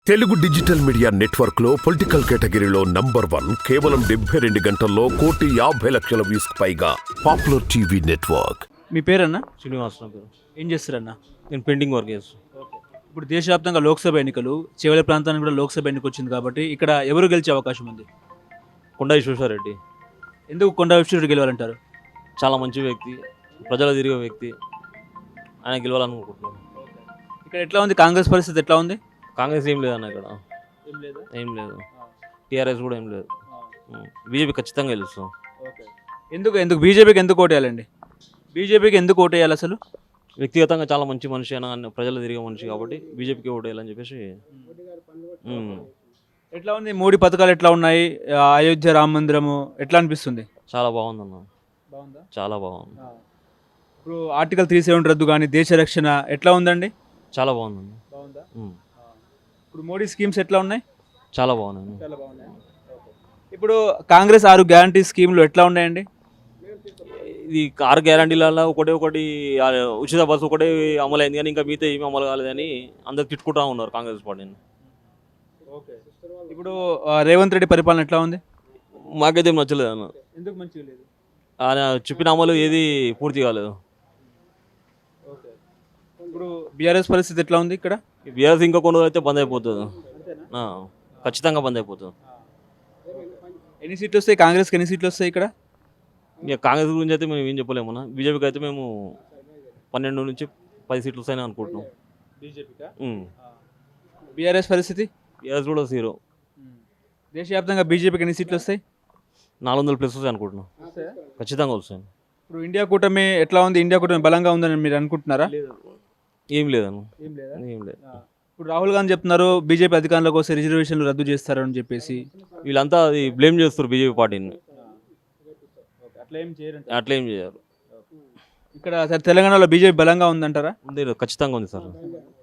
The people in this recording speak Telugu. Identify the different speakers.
Speaker 1: తెలుగు డిజిటల్ మీడియా నెట్వర్క్ లో పొలిటికల్ కేటగిరీలో నంబర్ 1 కేవలం 72 గంటల్లో 1,50,00,000 వ్యూస్ పైగా పాపులర్ టీవీ నెట్వర్క్.
Speaker 2: మీ పేరన్నా?
Speaker 3: శ్రీనివాస్ నా పేరు.
Speaker 2: ఏం చేస్తారన్నా?
Speaker 3: నేను పెయింటింగ్ వర్క్ చేస్తాను.
Speaker 2: ఇప్పుడు దేశవ్యాప్తంగా లోక్సభ ఎన్నికలు, చివరి ప్రాంతానికి కూడా లోక్సభ ఎన్నిక వచ్చింది కాబట్టి ఇక్కడ ఎవరు గెలిచే అవకాశం ఉంది?
Speaker 3: కొండా విశ్వేశ్వరరెడ్డి
Speaker 2: ఎందుకు కొండా విశ్వేశ్వరరెడ్డి గెలవాలంటారు?
Speaker 3: చాలా మంచి వ్యక్తి, ప్రజలు తిరిగే వ్యక్తి, ఆయన గెలవాలనుకుంటున్నాను.
Speaker 2: ఇక్కడ ఎట్లా ఉంది కాంగ్రెస్ పరిస్థితి ఎట్లా ఉంది?
Speaker 3: కాంగ్రెస్ ఏం లేదన్న ఇక్కడ, ఏం లేదు. టీఆర్ఎస్ కూడా ఏం లేదు. బీజేపీ ఖచ్చితంగా గెలుస్తాం.
Speaker 2: ఎందుకు బీజేపీకి ఎందుకు ఓటేయాలండి? బీజేపీకి ఎందుకు ఓటేయాలి అసలు?
Speaker 3: వ్యక్తిగతంగా చాలా మంచి మనిషి అయినా ప్రజలు తిరిగే మనిషి కాబట్టి బీజేపీకి ఓటేయాలని చెప్పేసి.
Speaker 2: ఎట్లా ఉంది మోడీ పథకాలు ఎట్లా ఉన్నాయి? అయోధ్య రామ మందిరము ఎట్లా అనిపిస్తుంది?
Speaker 3: చాలా బాగుందన్న,
Speaker 2: బాగుందా?
Speaker 3: చాలా బాగుంది.
Speaker 2: ఇప్పుడు ఆర్టికల్ 370 రద్దు కానీ దేశ రక్షణ ఎట్లా ఉందండి?
Speaker 3: చాలా బాగుందన్న.
Speaker 2: బాగుందా? ఇప్పుడు మోడీ స్కీమ్స్ ఎట్లా ఉన్నాయి?
Speaker 3: చాలా బాగున్నాయి.
Speaker 2: చాలా బాగున్నాయి. ఇప్పుడు కాంగ్రెస్ 6 గ్యారంటీ స్కీమ్లు ఎట్లా ఉన్నాయండి?
Speaker 3: ఇది 6 గ్యారంటీలలో ఒకటి ఉచిత బస్సు ఒకటే అమలు అయింది కానీ ఇంకా మిగతా ఏమీ అమలు కాలేదని అందరు తిట్టుకుంటా ఉన్నారు కాంగ్రెస్ పార్టీని.
Speaker 2: ఇప్పుడు రేవంత్ రెడ్డి పరిపాలన ఎట్లా ఉంది?
Speaker 3: మాకైతే ఏం నచ్చలేదు అన్న.
Speaker 2: ఎందుకు మంచిగా లేదు?
Speaker 3: ఆయన చెప్పిన అమలు ఏది పూర్తి కాలేదు.
Speaker 2: ఇప్పుడు బీఆర్ఎస్ పరిస్థితి ఎట్లా ఉంది ఇక్కడ?
Speaker 3: బీఆర్ఎస్ ఇంకా కొన్ని రోజులు అయితే బంద్ అయిపోతుంది. ఖచ్చితంగా బంద్ అయిపోతుంది.
Speaker 2: ఎన్ని సీట్లు వస్తాయి కాంగ్రెస్కి? ఎన్ని సీట్లు వస్తాయి ఇక్కడ?
Speaker 3: ఇక కాంగ్రెస్ గురించి అయితే మేము ఏం చెప్పలేమన్నా. బీజేపీకి అయితే మేము 12 నుంచి 10 సీట్లు వస్తాయని అనుకుంటున్నాం.
Speaker 2: బీఆర్ఎస్ పరిస్థితి?
Speaker 3: బీఆర్ఎస్ కూడా 0.
Speaker 2: దేశవ్యాప్తంగా బీజేపీకి ఎన్ని సీట్లు వస్తాయి?
Speaker 3: 400+ వస్తాయి అనుకుంటున్నాం. ఖచ్చితంగా వస్తాయి.
Speaker 2: ఇప్పుడు ఇండియా కూటమి ఎట్లా ఉంది? ఇండియా కూటమి బలంగా ఉందని మీరు అనుకుంటున్నారా?
Speaker 3: ఏం లేదన్న, ఏం లేదు.
Speaker 2: ఇప్పుడు రాహుల్ గాంధీ చెప్తున్నారు బీజేపీ అధికారంలోకి వస్తే రిజర్వేషన్లు రద్దు చేస్తారని చెప్పేసి.
Speaker 3: వీళ్ళంతా అది బ్లేమ్ చేస్తారు బీజేపీ పార్టీని. అట్లా ఏం చేయరు.
Speaker 2: ఇక్కడ తెలంగాణలో బీజేపీ బలంగా ఉందంటారా?
Speaker 3: ఖచ్చితంగా ఉంది సార్.